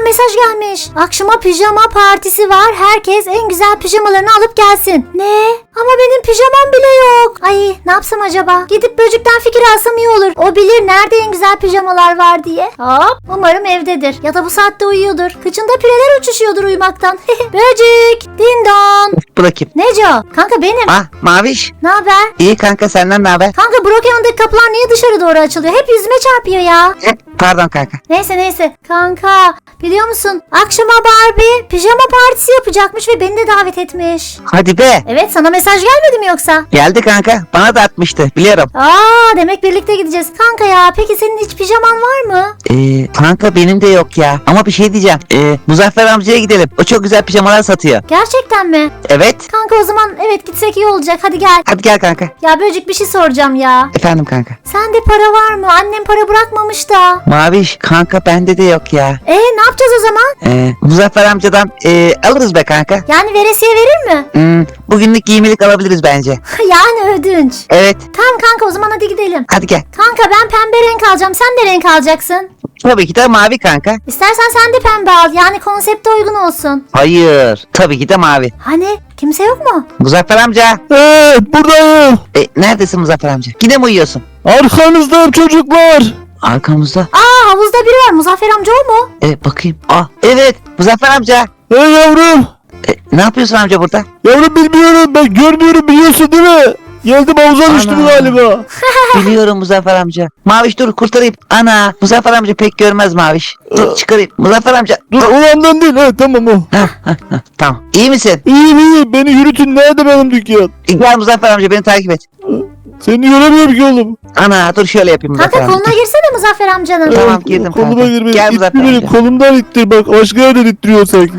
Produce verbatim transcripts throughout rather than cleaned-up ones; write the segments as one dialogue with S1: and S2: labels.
S1: Barbie'den mesaj gelmiş. Akşama pijama partisi var. Herkes en güzel pijamalarını alıp gelsin. Ne? Ama benim pijamam bile yok. Ay ne yapsam acaba? Gidip böcükten fikir alsam iyi olur. O bilir nerede en güzel pijamalar var diye. Hop, umarım evdedir. Ya da bu saatte uyuyordur. Kıçında pireler uçuşuyordur uyumaktan. Böcük. Dindon.
S2: Bırakayım.
S1: Neco? Kanka benim.
S2: Ah Maviş.
S1: Ne haber?
S2: İyi kanka, senden ne haber?
S1: Kanka Brokeman'daki kapılar niye dışarı doğru açılıyor? Hep yüzüme çarpıyor ya.
S2: Pardon kanka.
S1: Neyse neyse. Kanka biliyor musun? Akşama Barbie pijama partisi yapacakmış ve beni de davet etmiş.
S2: Hadi be.
S1: Evet, sana mesaj gelmedi mi yoksa?
S2: Geldi kanka. Bana da atmıştı. Biliyorum.
S1: Aa, demek birlikte gideceğiz. Kanka ya, peki senin hiç pijaman var mı?
S2: Ee, kanka benim de yok ya. Ama bir şey diyeceğim. Ee, Muzaffer amcaya gidelim. O çok güzel pijamalar satıyor.
S1: Gerçekten mi?
S2: Evet.
S1: Kanka o zaman evet gitsek iyi olacak. Hadi gel.
S2: Hadi gel kanka.
S1: Ya Böcük, bir şey soracağım ya.
S2: Efendim kanka.
S1: Sende para var mı? Annem para bırakmamış da.
S2: Maviş kanka, bende de yok ya.
S1: E ne yapacağız o zaman?
S2: Ee, Muzaffer amcadan ee, alırız be kanka.
S1: Yani veresiye verir mi?
S2: Hmm, bugünlük giymelik alabiliriz bence.
S1: Yani ödünç.
S2: Evet.
S1: Tamam kanka, o zaman hadi gidelim.
S2: Hadi gel.
S1: Kanka ben pembe renk alacağım. Sen de renk alacaksın.
S2: Tabii ki de mavi kanka.
S1: İstersen sen de pembe al. Yani konsepte uygun olsun.
S2: Hayır. Tabii ki de mavi.
S1: Hani kimse yok mu?
S2: Muzaffer amca.
S3: Evet, buradayım.
S2: E, neredesin Muzaffer amca? Yine mi uyuyorsun?
S3: Arkanızdayım çocuklar.
S2: Arkamızda.
S1: Aa, havuzda biri var. Muzaffer amca o mu?
S2: E, bakayım. Ah, evet. Muzaffer amca.
S3: Hey yavrum.
S2: E, ne yapıyorsun amca burada?
S3: Yavrum bilmiyorum, ben görmüyorum, biliyorsun değil mi? Geldim, havuza düştüm
S2: Ana.
S3: galiba.
S2: Biliyorum Muzaffer amca. Maviş dur kurtarayım. Ana. Muzaffer amca pek görmez Maviş. Dur çıkarayım. Muzaffer amca.
S3: Dur, olandan değil, he tamam o.
S2: Hah, hah, hah. Tamam. İyi misin?
S3: İyiyim iyiyim, beni yürütün, nerede benim dükkan?
S2: E, Gel Muzaffer amca, beni takip et.
S3: Seni göremiyorum ki oğlum.
S2: Ana dur şöyle yapayım Muzaffer
S1: Kanka
S2: amca.
S1: koluna girsene Muzaffer amcanın.
S2: Tamam,
S3: Evet,
S2: girdim
S3: koluma
S2: kanka.
S3: girme.
S2: Gel
S3: İttir
S2: Muzaffer
S3: beni,
S2: amca.
S3: kolumdan ittir bak, başka yerden ittiriyor sanki.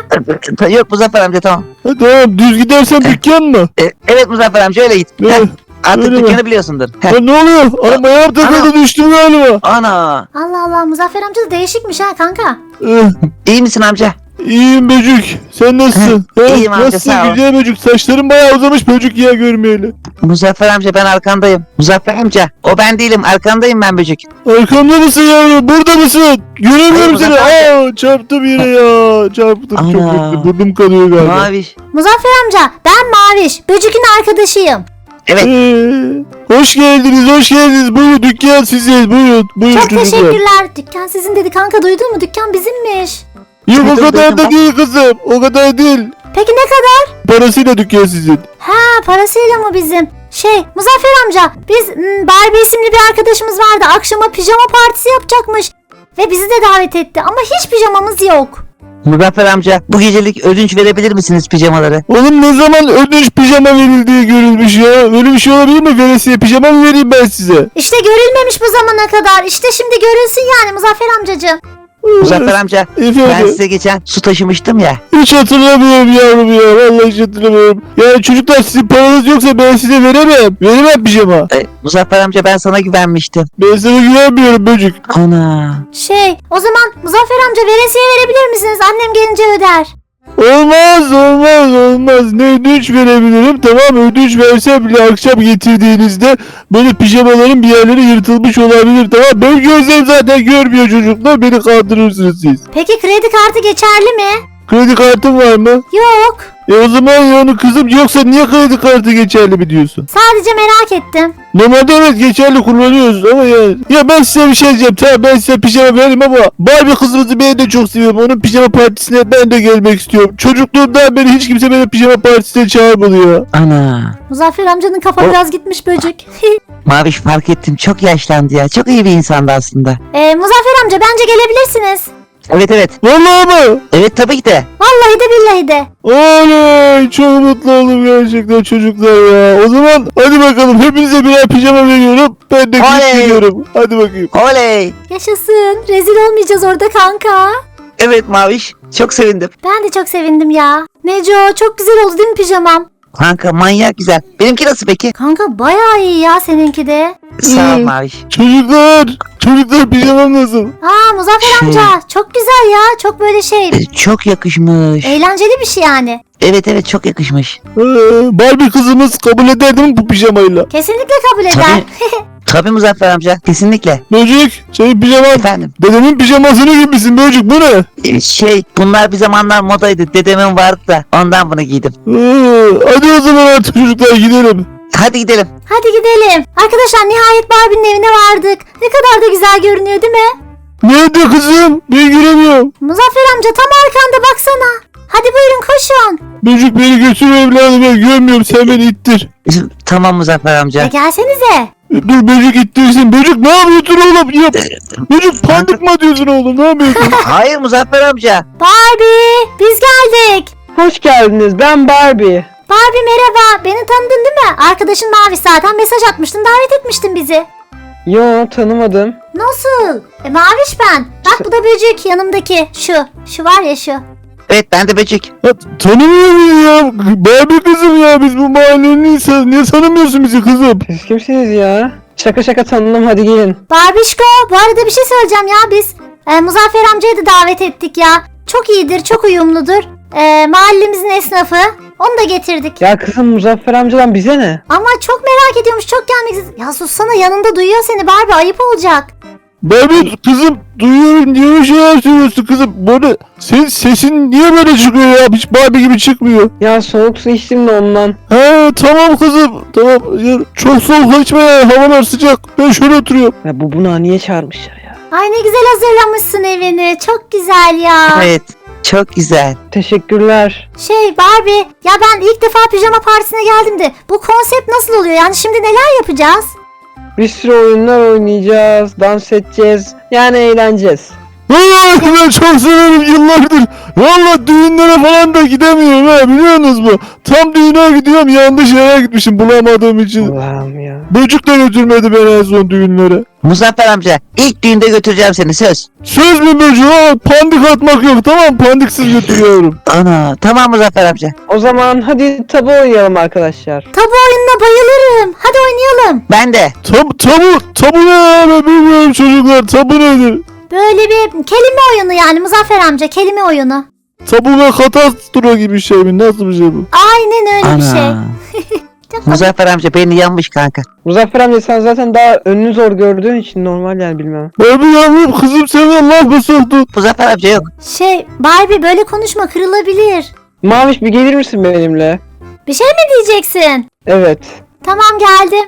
S2: Yok Muzaffer amca, tamam.
S3: Ha, tamam, düz gidersen dükkan mı?
S2: E, evet Muzaffer amca, öyle git.
S3: Ne?
S2: Heh, artık
S3: Öyle mi?
S2: dükkanı biliyorsundur. Heh.
S3: Ha, ne oluyor? Anam ayağım takıldı, düştüm galiba.
S2: Ana.
S1: Allah Allah, Muzaffer amca da değişikmiş ha kanka.
S3: Eh,
S2: İyi misin amca?
S3: İyiyim Böcük. Sen nasılsın? He,
S2: İyiyim amca,
S3: nasılsın
S2: sağ ol.
S3: güzel Böcük? Saçların bayağı uzamış Böcük ya, görmeyeli.
S2: Muzaffer amca, ben arkandayım. Muzaffer amca, o ben değilim, arkandayım ben Böcük.
S3: Arkamda mısın yavrum? Burada mısın? Göremiyorum
S2: Hayır,
S3: seni.
S2: Muzaffer
S3: Aa, çarptım yine ya. Çarptım çok
S2: Ana.
S3: kötü. Burnum kanıyor galiba.
S2: Maviş.
S1: Muzaffer amca, ben Maviş. Böcük'ün arkadaşıyım.
S2: Evet.
S3: Ee, hoş geldiniz, hoş geldiniz. Buyurun, dükkan sizin. Buyurun, buyurun
S1: Çok
S3: çocuklar.
S1: teşekkürler. Dükkan sizin dedi kanka, duydun mu? Dükkan bizimmiş.
S3: Yok, o
S2: Duydum,
S3: kadar
S2: duydum
S3: da
S2: bak.
S3: değil kızım. O kadar değil.
S1: Peki ne kadar?
S3: Parasıyla dükkan sizin.
S1: Ha, parasıyla mı bizim? Şey, Muzaffer amca, biz m, Barbie isimli bir arkadaşımız vardı. Akşama pijama partisi yapacakmış. Ve bizi de davet etti ama hiç pijamamız yok.
S2: Muzaffer amca, bu gecelik ödünç verebilir misiniz pijamaları?
S3: Oğlum, ne zaman ödünç pijama verildiği görülmüş ya? Öyle bir şey olabilir mi? Veresiye pijama mı vereyim ben size?
S1: İşte görülmemiş bu zamana kadar. İşte şimdi görülsün yani Muzaffer amcacığım.
S2: Muzaffer amca, ben
S3: Efendim?
S2: size geçen su taşımıştım ya.
S3: Hiç hatırlamıyorum yavrum ya. Vallahi hiç hatırlamıyorum. Yani çocuklar, sizin paranız yoksa ben size veremem. Veremem pijama.
S2: E, Muzaffer amca, ben sana güvenmiştim.
S3: Ben sana güvenmiyorum Böcük.
S2: Ana.
S1: Şey, o zaman Muzaffer amca veresiye verebilir misiniz? Annem gelince öder.
S3: Olmaz olmaz olmaz. Ne ödünç verebilirim, tamam, ödünç versem bile akşam getirdiğinizde böyle pijamaların bir yerleri yırtılmış olabilir, tamam. Benim gözlerim zaten görmüyor çocuklar, beni kandırırsınız siz.
S1: Peki kredi kartı geçerli mi?
S3: Kredi kartın var mı?
S1: Yok.
S3: E o zaman yani kızım, yoksa niye kredi kartı geçerli mi diyorsun?
S1: Sadece merak ettim.
S3: Normalde evet geçerli kullanıyoruz ama yani. Ya ben size bir şey diyeceğim, tamam, ben size pijama veririm ama Barbie kızımızı ben de çok seviyorum. Onun pijama partisine ben de gelmek istiyorum. Çocukluğumdan beri hiç kimse beni pijama partisine çağırmadı ya.
S2: Ana.
S1: Muzaffer amcanın kafa
S2: O-
S1: biraz gitmiş Böcük.
S2: Maviş, fark ettim, çok yaşlandı ya. Çok iyi bir insandı aslında.
S1: ee, Muzaffer amca, bence gelebilirsiniz.
S2: Evet evet.
S3: Vallahi mı?
S2: Evet tabii ki de.
S1: Vallahi de billahi de.
S3: Oley, çok mutlu oldum gerçekten çocuklar ya. O zaman hadi bakalım, hepinize birer pijama veriyorum. Ben de gidip
S2: Oley.
S3: geliyorum. Hadi bakayım.
S2: Oley.
S1: Yaşasın. Rezil olmayacağız orada kanka.
S2: Evet Maviş, çok sevindim.
S1: Ben de çok sevindim ya. Neco, çok güzel oldu değil mi pijamam?
S2: Kanka manyak güzel. Benimki nasıl peki?
S1: Kanka bayağı iyi ya seninki de.
S2: Sağ ol
S3: Hmm.
S2: Maviş.
S3: Çocuklar, çocuklar pijamam nasıl?
S1: Aa Muzaffer
S2: Şey-
S1: amca, çok güzel ya. Çok böyle şey,
S2: E, çok yakışmış.
S1: eğlenceli bir şey yani.
S2: Evet evet, çok yakışmış.
S3: Ee, Barbie kızımız kabul eder değil mi bu pijamayla?
S1: Kesinlikle kabul eder.
S2: Tabii Muzaffer amca, kesinlikle.
S3: Böcük senin pijaman
S2: Efendim.
S3: dedemin pijamasını giymişsin Böcük, bu ne?
S2: Ee, Şey, bunlar bir zamanlar modaydı. Dedemin vardı da ondan bunu giydim.
S3: Ee, hadi o zaman artık çocuklar gidelim.
S2: Hadi gidelim.
S1: Hadi gidelim. Arkadaşlar nihayet Barbie'nin evine vardık. Ne kadar da güzel görünüyor değil mi?
S3: Nerede kızım? Ben göremiyorum.
S1: Muzaffer amca tam arkanda baksana. Hadi buyurun koşun.
S3: Böcük beni götür evladım, ben görmüyorum, sen beni ittir.
S2: Tamam Muzaffer
S1: E
S2: amca.
S1: gelsenize.
S3: Dur Böcük ittirsin. Böcük ne yapıyorsun oğlum? Ya, Böcük pandik mı atıyorsun oğlum? Ne yapıyorsun?
S2: Hayır Muzaffer amca.
S1: Barbie biz geldik.
S4: Hoş geldiniz. Ben Barbie.
S1: Barbie merhaba. Beni tanıdın değil mi? Arkadaşın Mavi zaten mesaj atmıştın, davet etmiştin bizi.
S4: Yo, tanımadım.
S1: Nasıl? E Maviş ben. Bak bu da Böcük yanımdaki. Şu. Şu var ya şu.
S2: Evet, ben de Böcük.
S3: Ya, tanımıyor muyum ya? Barbie kızım ya, biz bu mahallenin insanı. Niye tanımıyorsun bizi kızım?
S4: Siz kimsiniz ya? Şaka şaka tanıdım, hadi gelin.
S1: Barbişko bu arada bir şey söyleyeceğim ya biz. E, Muzaffer amcayı da davet ettik ya. Çok iyidir, çok uyumludur. E, mahallemizin esnafı. Onu da getirdik.
S4: Ya kızım, Muzaffer amcadan bize ne?
S1: Ama çok merak ediyormuş, çok gelmek istiyor. Ya sussana, yanında duyuyor seni Barbie, ayıp olacak.
S3: Barbie kızım, duyuyorum, niye bir şeyler söylüyorsun kızım? Böyle senin sesin niye böyle çıkıyor ya? Hiç Barbie gibi çıkmıyor.
S4: Ya soğuk su içtim de ondan.
S3: He tamam kızım, tamam. Ya, çok soğuk içme ya, havalar sıcak. Ben şöyle oturuyorum.
S4: Ya bu buna niye çağırmışlar ya?
S1: Ay ne güzel hazırlamışsın evini. Çok güzel ya.
S2: Evet, çok güzel.
S4: Teşekkürler.
S1: Şey Barbie, ya ben ilk defa pijama partisine geldim de bu konsept nasıl oluyor? Yani şimdi neler yapacağız?
S4: Bir sürü oyunlar oynayacağız, dans edeceğiz. Yani eğleneceğiz.
S3: Vallahi ben çok severim yıllardır. Vallahi düğünlere falan da gidemiyorum ha, biliyorsunuz mu? Tam düğüne gidiyorum, yanlış yere gitmişim bulamadığım için.
S4: Allah'ım ya.
S3: Böcük de götürmedi beni en son düğünlere.
S2: Muzaffer amca, ilk düğünde götüreceğim seni, söz.
S3: Söz mü Böcük? Ha, pandik atmak yok, tamam, pandiksiz götürüyorum.
S2: Ana, tamam Muzaffer amca.
S4: O zaman hadi tabu oynayalım arkadaşlar.
S1: Tabu oyununa bayılırım. Hadi oynayalım.
S2: Ben de.
S3: Tab tabu, tabu ne ya, ben bilmiyorum çocuklar, tabu nedir?
S1: Böyle bir kelime oyunu yani Muzaffer amca, kelime oyunu.
S3: Tabu ve katastro gibi şey mi? Nasıl bir şey bu?
S1: Aynen öyle bir şey.
S2: Ana. Muzaffer amca beni yanmış kanka.
S4: Muzaffer amca sen zaten daha önünü zor gördüğün için normal yani, bilmem.
S3: Ben bir yavrum, kızım seni laf mı soktu?
S2: Muzaffer amca yok.
S1: Şey Barbie böyle konuşma, kırılabilir.
S4: Maviş bir gelir misin benimle?
S1: Bir şey mi diyeceksin?
S4: Evet.
S1: Tamam geldim.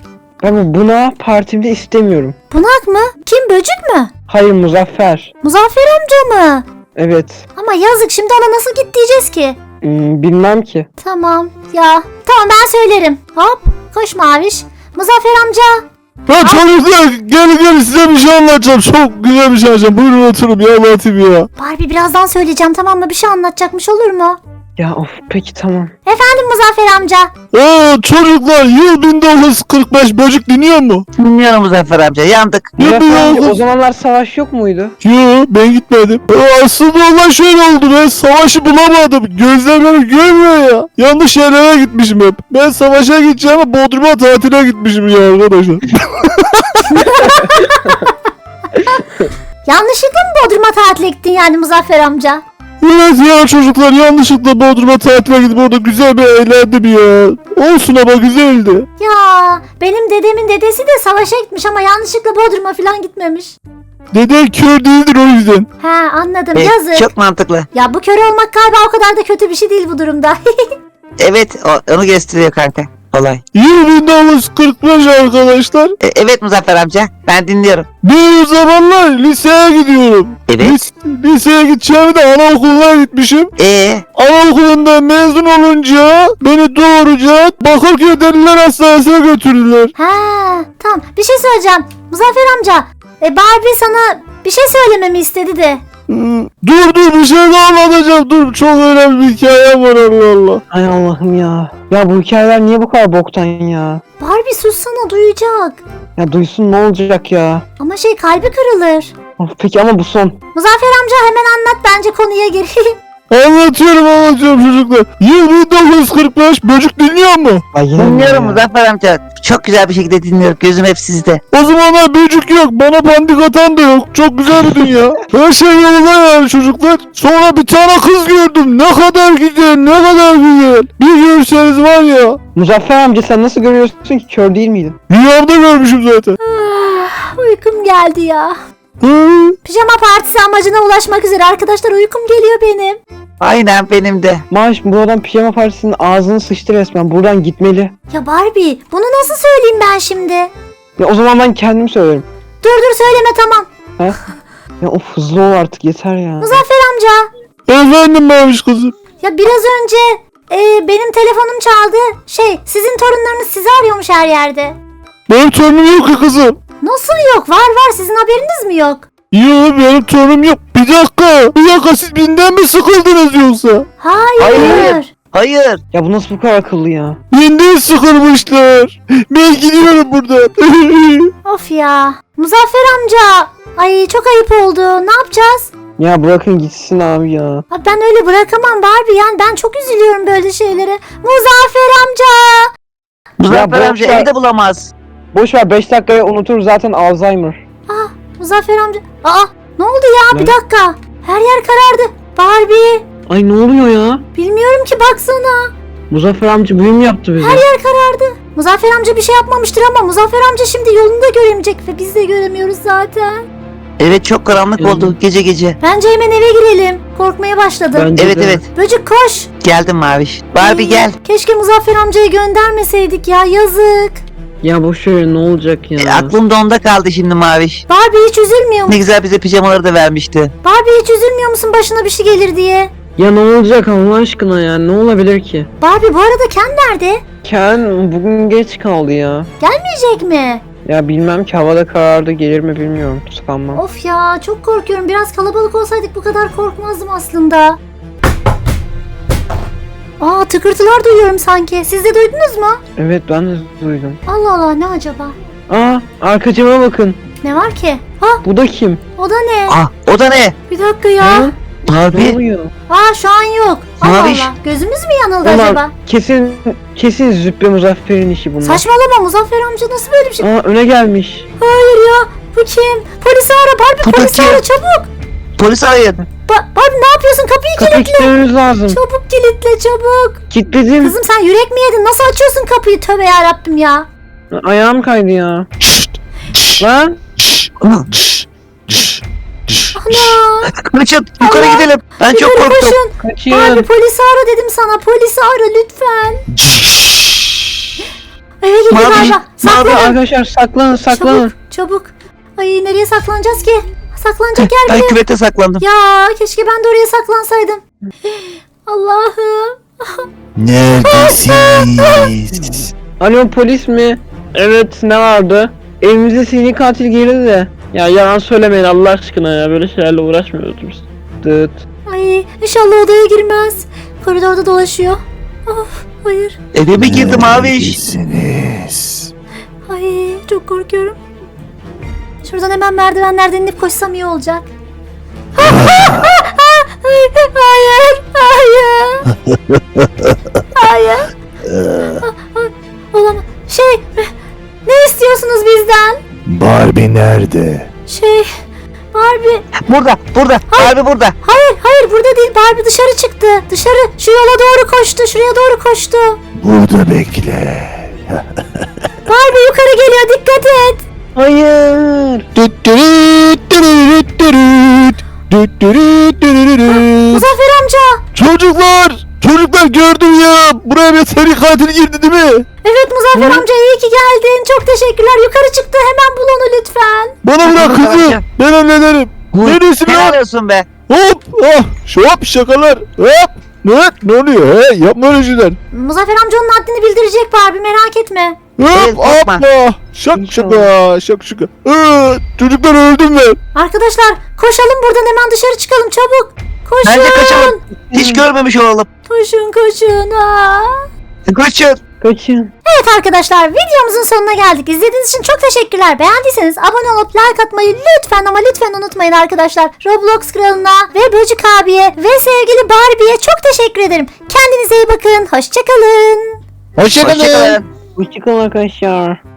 S4: Ben buna partimde istemiyorum.
S1: Bunak mı? Kim, Böcük mü?
S4: Hayır, Muzaffer.
S1: Muzaffer amca mı?
S4: Evet.
S1: Ama yazık, şimdi ona nasıl git diyeceğiz ki?
S4: Hmm, bilmem ki.
S1: Tamam ya. Tamam ben söylerim. Hop koş Maviş. Muzaffer amca.
S3: Ya çocuklar, gel gel, size bir şey anlatacağım. Çok güzel bir şey anlatacağım. Buyurun oturun ya, anlatayım ya.
S1: Barbie birazdan söyleyeceğim, tamam mı? Bir şey anlatacakmış, olur mu?
S4: Ya of, peki tamam.
S1: Efendim Muzaffer amca.
S3: Oo çocuklar, yıl bin dokuz yüz kırk beş, Böcük dinliyor mu?
S2: Bilmiyorum Muzaffer amca, yandık.
S3: Yıl bin
S4: Muzaffer amca,
S3: dokuz
S4: o
S3: yüz...
S4: zamanlar savaş yok muydu?
S3: Yo, ben gitmedim. Ee, aslında olay şöyle oldu, ben savaşı bulamadım. Gözler beni görmüyor ya. Yanlış yerlere gitmişim hep. Ben savaşa gideceğime Bodrum'a tatile gitmişim ya arkadaşlar.
S1: Yanlışlıkla mı Bodrum'a tatile gittin yani Muzaffer amca?
S3: Evet ya çocuklar, yanlışlıkla Bodrum'a tatile gidip orada güzel bir eğlendim ya. Olsun ama güzeldi.
S1: Ya benim dedemin dedesi de savaşa gitmiş ama yanlışlıkla Bodrum'a falan gitmemiş.
S3: Deden kör değildir o yüzden.
S1: He anladım,
S2: Evet,
S1: yazık.
S2: çok mantıklı.
S1: Ya bu kör olmak galiba o kadar da kötü bir şey değil bu durumda.
S2: Evet, o, onu gösteriyor kanka. Olay.
S3: Yıl bin dokuz yüz kırk beş arkadaşlar.
S2: E, evet Muzaffer amca, ben dinliyorum.
S3: Bir zamanlar liseye gidiyorum.
S2: Evet.
S3: Lis- liseye gideceğimi de anaokuluna gitmişim.
S2: Ee,
S3: Anaokulunda mezun olunca beni doğruca Bakırköy Deliler Hastanesi'ne götürdüler.
S1: Ha tamam, bir şey söyleyeceğim. Muzaffer amca, e Barbie sana bir şey söylememi istedi de.
S3: Hmm, Dur dur, bir şey daha anlatacağım. Dur, çok önemli bir hikayem var, Allah Allah.
S4: Ay Allah'ım ya. Ya bu hikayeler niye bu kadar boktan ya?
S1: Barbie sussana, duyacak.
S4: Ya duysun, ne olacak ya?
S1: Ama şey, kalbi kırılır.
S4: Of, peki ama bu son.
S1: Muzaffer amca hemen anlat, bence konuya gir.
S3: Anlatıyorum anlatıyorum çocuklar. Yıl bin dokuz yüz kırk beş, böcük dinliyor mu?
S2: Dinliyorum Muzaffer amca. Çok güzel bir şekilde dinliyorum. Gözüm hep sizde.
S3: O zamanlar böcük yok, bana pandik atan da yok. Çok güzel bir dünya. Her şey yolunda yani çocuklar. Sonra bir tane kız gördüm. Ne kadar güzel, ne kadar güzel. Bir görseniz var ya.
S4: Muzaffer amca sen nasıl görüyorsun ki, kör değil miydin?
S3: Rüyamda görmüşüm zaten.
S1: Ah, uykum geldi ya.
S3: Hı?
S1: Pijama partisi amacına ulaşmak üzere arkadaşlar, uykum geliyor benim.
S2: Aynen benim de.
S4: Maaş bu adam pijama partisinin ağzını sıçtı resmen. Buradan gitmeli.
S1: Ya Barbie, bunu nasıl söyleyeyim ben şimdi?
S4: Ya o zaman ben kendim söylerim.
S1: Dur dur söyleme, tamam.
S4: Ya of, hızlı ol artık, yeter ya.
S1: Muzaffer amca.
S3: Efendim Maviş kızım.
S1: Ya biraz önce e, benim telefonum çaldı. Şey, sizin torunlarınız sizi arıyormuş her yerde.
S3: Benim torunum yok ki kızım.
S1: Nasıl yok? Var var, sizin haberiniz mi yok?
S3: Yok benim torunum yok. Bir dakika. Bir dakika, siz binden mi sıkıldınız yoksa?
S1: Hayır.
S2: Hayır. Hayır.
S4: Ya bu nasıl bu kadar akıllı ya?
S3: Binden sıkılmışlar. Ben gidiyorum buradan.
S1: Of ya. Muzaffer amca. Ay çok ayıp oldu. Ne yapacağız?
S4: Ya bırakın gitsin abi ya.
S1: Abi ben öyle bırakamam Barbie, yani ben çok üzülüyorum böyle şeylere. Muzaffer amca.
S2: Muzaffer
S4: boş
S2: amca
S4: ver.
S2: evde bulamaz.
S4: Boş ver, beş dakikaya unutur zaten, Alzheimer.
S1: Ah, Muzaffer amca. Aa, ne oldu ya? Bir
S4: Ne?
S1: dakika. Her yer karardı. Barbie.
S4: Ay ne oluyor ya?
S1: Bilmiyorum ki, baksana.
S4: Muzaffer amca büyü mü yaptı bize?
S1: Her yer karardı. Muzaffer amca bir şey yapmamıştır ama Muzaffer amca şimdi yolunu da göremeyecek ve biz de göremiyoruz zaten.
S2: Evet çok karanlık
S4: Evet.
S2: oldu gece gece.
S1: Bence hemen eve girelim. Korkmaya başladım.
S4: Bence
S2: Evet
S4: de.
S2: evet.
S1: Böcük koş.
S2: Geldim Maviş. Barbie
S1: Ay,
S2: gel.
S1: Keşke Muzaffer amcayı göndermeseydik ya, yazık.
S4: Ya boş ver, ne olacak ya?
S2: E, aklım da onda kaldı şimdi Maviş.
S1: Barbie hiç üzülmüyor
S2: Ne
S1: musun?
S2: güzel bize pijamaları da vermişti.
S1: Barbie hiç üzülmüyor musun başına bir şey gelir diye?
S4: Ya ne olacak Allah aşkına ya? Ne olabilir ki?
S1: Barbie bu arada Ken nerede?
S4: Ken bugün geç kaldı ya.
S1: Gelmeyecek mi?
S4: Ya bilmem ki, havada karardı, gelir mi bilmiyorum. Sanmam.
S1: Of ya, çok korkuyorum. Biraz kalabalık olsaydık bu kadar korkmazdım aslında. Aa, tıkırtılar duyuyorum sanki. Siz de duydunuz mu?
S4: Evet, ben de duydum.
S1: Allah Allah, ne acaba?
S4: Aa, arka cama bakın.
S1: Ne var ki? Ha,
S4: Bu da kim?
S1: o da ne?
S2: Ah o da ne?
S1: Bir dakika ya.
S4: Hı? Ne
S2: Barbie.
S4: oluyor?
S1: Aa, şu an yok. Allah
S2: Maviş.
S1: Allah. Gözümüz mü yanıldı
S4: Ulan
S1: acaba?
S4: kesin kesin Züppe Muzaffer'in işi bunlar.
S1: Saçmalama, Muzaffer amca nasıl böyle bir şey?
S4: Aa, öne gelmiş.
S1: Hayır ya. Bu kim? Polisi ara Barbie,
S2: Bu da
S1: polisi
S2: kim?
S1: ara çabuk.
S2: Polis arayın.
S1: Ba- Barbie ne yapıyorsun? Kapıyı
S4: Kapıyı
S1: kilitle.
S4: kilitlememiz lazım.
S1: Çabuk kilitle çabuk.
S4: Kilitledim.
S1: Kızım sen yürek mi yedin? Nasıl açıyorsun kapıyı? Tövbe yarabbim ya.
S4: Ayağım kaydı ya. Lan.
S1: Ana.
S2: Kaçın yukarı
S1: Allah.
S2: gidelim. Ben çok
S1: Yukarı
S2: korktum.
S1: koşun.
S4: Kaçın.
S1: Barbie polisi ara dedim sana. Polisi ara lütfen. Eve gidin
S2: Mavi,
S1: galiba.
S4: Abi
S1: Saklanın.
S4: arkadaşlar saklanın saklanın.
S1: Çabuk çabuk. Ay nereye saklanacağız ki? Saklanacak yer
S2: Ben
S1: bile yok.
S2: küvete saklandım.
S1: Ya keşke ben de oraya saklansaydım. Allah'ım.
S3: Neredesiniz?
S4: Alo, polis mi? Evet, ne vardı? Evimize seni katil girdi de. Ya yalan söylemeyin Allah aşkına ya, böyle şeylerle uğraşmıyoruz biz. Dıt.
S1: Ay inşallah odaya girmez. Koridorda dolaşıyor. Of hayır.
S2: Eve mi girdim Maviş?
S3: Neredesiniz?
S1: Ay çok korkuyorum. Şuradan hemen merdivenlerden inip koşsam iyi olacak. Hayır, hayır, hayır. Olamaz. Şey, ne istiyorsunuz bizden?
S3: Barbie nerede?
S1: Şey, Barbie.
S2: Burada burada. Barbie burada.
S1: Hayır, hayır burada değil. Barbie dışarı çıktı. Dışarı, şu yola doğru koştu. Şuraya doğru koştu.
S3: Burada bekle.
S1: Barbie yukarı geliyor. Dikkat et.
S4: Hayır.
S1: Muzaffer amca.
S3: Çocuklar! Çocuklar gördüm ya! Buraya bir seri katil girdi değil mi?
S1: Evet Muzaffer
S4: Hı?
S1: amca, iyi ki geldin. Çok teşekkürler. Yukarı çıktı. Hemen bul onu lütfen.
S3: Bana bırak
S2: Tamam,
S3: kızı!
S2: tamam.
S3: Ben hallederim! Neredesin
S2: Ne
S3: lan?
S2: arıyorsun be?
S3: Hop! Ah! Hop şakalar! Hop! Ne? Ne oluyor he? Yapma öyle şeyler!
S1: Muzaffer amca onun haddini bildirecek Barbie, merak etme.
S2: Evet,
S3: Hop!
S2: korkma.
S3: Hoppa! Şak şaka! Şak şaka! Ee, çocuklar öldüm ben!
S1: Arkadaşlar koşalım buradan, hemen dışarı çıkalım çabuk. Koşun.
S2: Bence kaçalım. Hiç görmemiş olalım.
S1: Koşun koşun. Aa.
S2: Kaçın.
S4: Kaçın.
S1: Evet arkadaşlar, videomuzun sonuna geldik. İzlediğiniz için çok teşekkürler. Beğendiyseniz abone olup like atmayı lütfen ama lütfen unutmayın arkadaşlar. Roblox kralına ve Böcük abiye ve sevgili Barbie'ye çok teşekkür ederim. Kendinize iyi bakın. Hoşçakalın.
S3: Hoşçakalın.
S2: Hoşçakalın.
S4: Hoşçakalın arkadaşlar.